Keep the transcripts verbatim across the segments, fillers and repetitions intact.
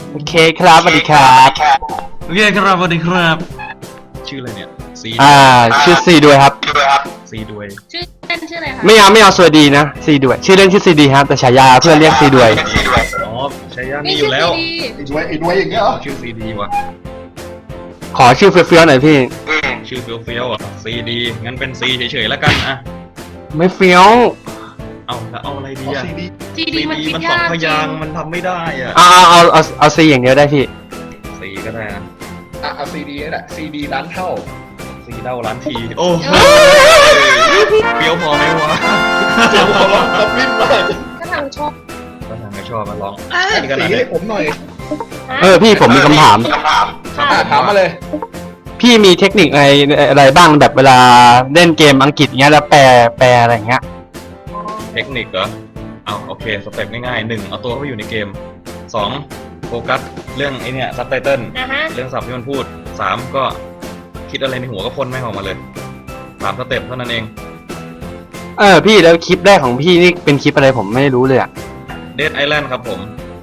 โอเคครับสวัสดีครับโอเคครับสวัสดีครับชื่ออะไรเนี่ยซีอ่าชื่อซีด้วยครับซีด้วยชื่อเล่นชื่ออะไรคะไม่เอาไม่เอาสวัสดีนะซีด้วยชื่อเล่นชื่อซีดีครับแต่ฉายาเพื่อนเรียกซีด้วยอ๋อใช้ยานี่อยู่แล้วนี่ไอ้ด้วยไอ้ด้วยอย่างเงี้ยเหรอชื่อซีดีว่ะขอชื่อเฟี้ยวๆหน่อยพี่ชื่อเฟี้ยวเฟี้ยวๆอ่ะซีดีงั้นเป็นซีเฉยๆแล้วกันอ่ะไม่เฟี้ยวเอาแล้วเอาอะไรดีเอาอ่ะซีดีจีซีดีมันดีคิดมันสอยาง กพจริยางงค์มันทำไม่ได้อ่ะเอาเอาเอาเอาเอาซีอย่างเดียวได้พี่ซีก็ได้นะอ่ะเอาซีดีนี่แหละซีดีร้านเท่าซีเด้าล้านทีโอ้โหเฟี้ยวพอไหมวะเจ๋งขอร้องกับวิ่งมากถ้าทางชอบก็ทางไม่ชอบมาลองสีนี่ขนาดให้นี้ผมหน่อยเออพี่ผมมีคำถามอ่ะถามมาเลยพี่มีเทคนิคอะไรอะไรบ้างแบบเวลาเล่นเกมอังกฤษเงี้ยแล้วแปลแปลอะไรเงี้ยเทคนิคเหรอเอาโอเคสเต็ปง่ายๆหนึ่งเอาตัวเข้าไปอยู่ในเกมสองโฟกัสเรื่องไอเนี่ยซับไตเติลนะฮะเรื่องศัพท์ที่มันพูดสามก็คิดอะไรในหัวก็พ่นแม่งออกมาเลยสามสเต็ปเท่านั้นเองเออพี่แล้วคลิปแรกของพี่นี่เป็นคลิปอะไรผมไม่รู้เลยอ่ะเดดไอแลนด์ครับผม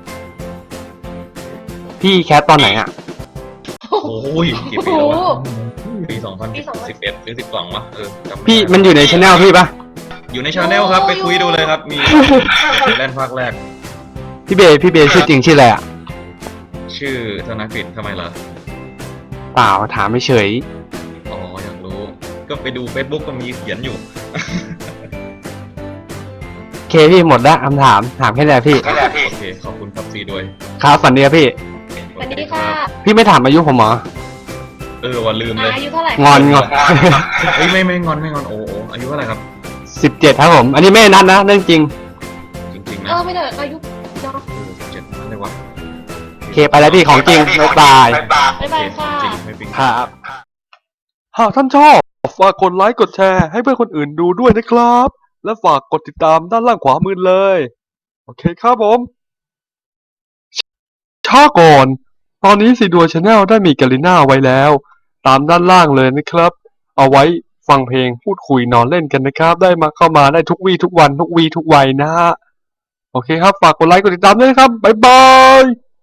พี่แคสตอนไหนอ่ะโอ้ยกี่ปีแล้ววะปีสองพันสิบเอ็ดหรือสิบสองวะเออจำไม่ได้พี่มันอยู่ในช anel พี่ปะอยู่ในชาแนลครับไปคุยดูเลยครับ มีเดดไอแลนด์ภาคแรกพี่เบย์พี่เบย์ชื่อจริงชื่ออะไรอ่ะชื่อธนกฤษทำไมล่ะเปล่าถามไม่เฉยอ๋ออยากรู้ ก็ไปดู Facebook ก็มีเขียนอยู่โอเคพี่หมดละคำถามถามแค่ไหนพี่โอเคขอบคุณครับซีด้วยครับฝันดีครับพี่สวัสดีค่ะพี่ไม่ถามอายุผมเหรอเออว่าลืมเลยอายุเท่าไหร่งอนงอนเฮ้ยไม่ไม่งอนไม่งอนโอ้โหอายุเท่าไหร่ครับสิบเจ็ดครับผม อันนี้ไม่นัดนะเรื่องจริงจริงๆเอนะอไม่เถอะอายุเนาะเออสิบเจ็ดนั่นเลยวะโอเคไปแล้วพี่ของจริงบ๊ายบายบ๊ายบายค่ะจริงไม่ปิงครับ หากท่านชอบฝากกดไลค์กดแชร์ให้เพื่อนคนอื่นดูด้วยนะครับ และฝากกดติดตามด้านล่างขวามือเลย โอเคครับผมช้าก่อน ตอนนี้ซีดัวชาแนลได้มีกาลิน่าไว้แล้ว ตามด้านล่างเลยนะครับ เอาไว้ฟังเพลงพูดคุยนอนเล่นกันนะครับ ได้มาเข้ามาได้ทุกวี่ทุกวันทุกวีทุกวัยนะฮะ โอเคครับ ฝากกดไลค์กดติดตามด้วยนะครับ บ๊ายบาย